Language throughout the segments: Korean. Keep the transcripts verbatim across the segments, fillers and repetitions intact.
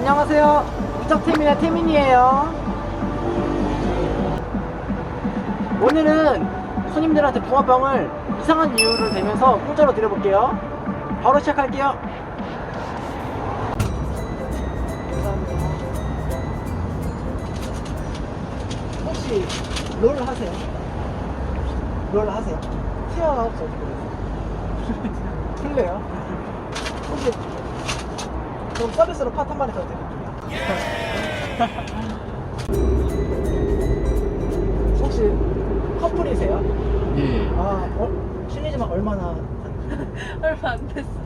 안녕하세요. 무적태민의 태민이에요. 오늘은 손님들한테 붕어빵을 이상한 이유를 대면서 공짜로 드려볼게요. 바로 시작할게요. 감사합니다. 혹시 롤 하세요? 롤 하세요? 튀어나왔죠? 플레요? 혹시 그럼 서비스로 팥 한 마리 더 드릴게요. 혹시 커플이세요? 예. 아, 어, 실례지만 얼마나? 얼마 안 됐어요.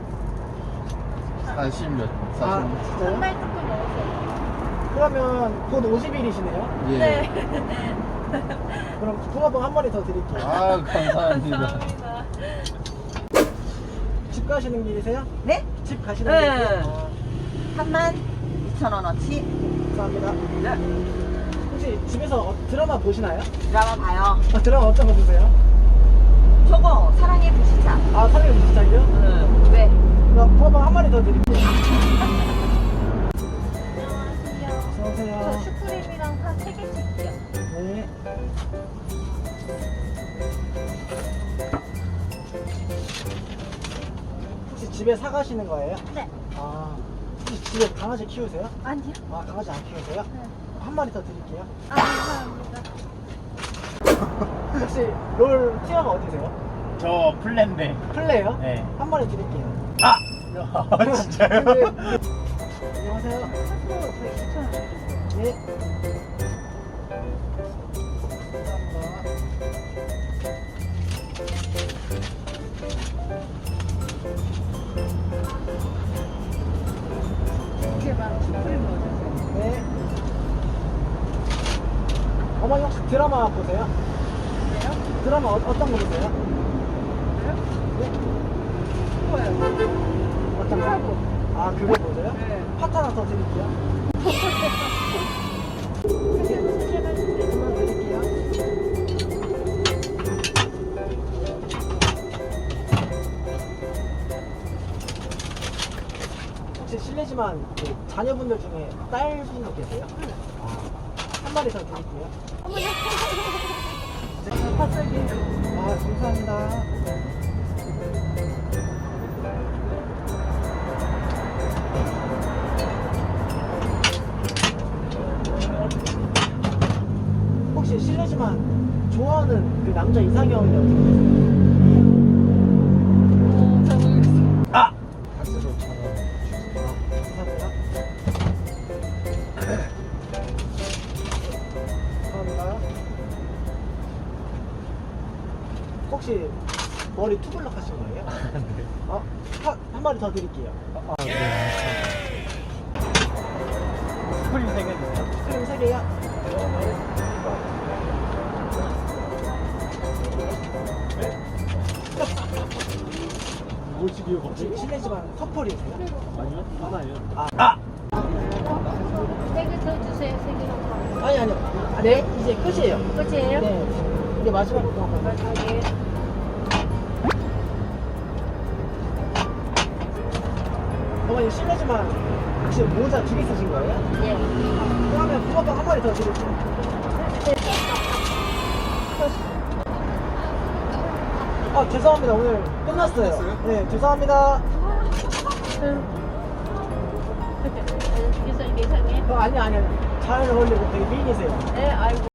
사십 몇, 아, 사십. 진짜요? 한 달 조금 넘었어요. 그러면 곧 오십 일이시네요? 예. 네. 그럼 붕어빵 한 마리 더 드릴게요. 아, 감사합니다. 감사합니다. 집 가시는 길이세요? 네? 집 가시는 네. 길이세요? 삼만 이천 원어치 아, 감사합니다. 혹시 집에서 어, 드라마 보시나요? 드라마 봐요. 아, 드라마 어떤 거 보세요? 저거 사랑의 불시착. 아, 사랑의 불시착이요? 응. 왜? 그럼 붕어빵 한 마리 더 드릴게요. 안녕하세요. 어서오세요. 저 슈크림이랑 팥 세 개씩요. 네. 혹시 집에 사가시는 거예요? 네. 아, 혹시 집에 강아지 키우세요? 아니요. 아, 강아지 안 키우세요? 네. 한 마리 더 드릴게요. 아, 감사합니다. 혹시 롤 티어가 어디세요? 저 플랜데. 플레이요? 네. 한 마리 드릴게요. 아! 진짜요? 네. 안녕하세요. 팥으로 저희 이천 원 드릴게요. 네. 감사합니다. 이렇게만 슈크림 넣어주세요. 네. 어머니 혹시 드라마 보세요? 그래요? 드라마 어, 어떤 거 보세요? 그래요? 네. 그거요. 어떤 거? 사고. 아, 그거 보세요? 네. 팥 하나 더 드릴게요. 그만 드릴게요. 혹시 실례지만 그 자녀분들 중에 딸분도 계세요? 아, 한 마리 더 드릴게요. 팥살기요. 아, 감사합니다. 혹시 실례지만 좋아하는 그 남자 이상형이 어떻게 되세요? 어, 잘 모르겠어요. 아! 박스로 천 원. 감사합니다. 감사합니다. 혹시 머리 투블럭 하신 거예요? 네. 어, 한, 한 마리 더 드릴게요. 아, 네. 스프링 세 개 주세요. 스크림 세 개요. 뭐지, 이거 혹시 실례지만 커플이세요? 아니요, 하나예요. 아, 세개 더 주세요. 세 개로. 아니 아니요. 아, 네, 이제 끝이에요. 끝이에요? 네, 이게 마지막 거 한번. 네. 어머니 실례지만 혹시 모자 두 개 쓰신 거예요? 예. 그러면 붕어빵 한 마리 더 드릴게요. 아, 죄송합니다. 오늘 끝났어요. 끝났어요? 네, 죄송합니다. 계산 계산해. 어, 아니 아니 아니. 잘 어울리고 되게 미인이세요. 네, 아이고.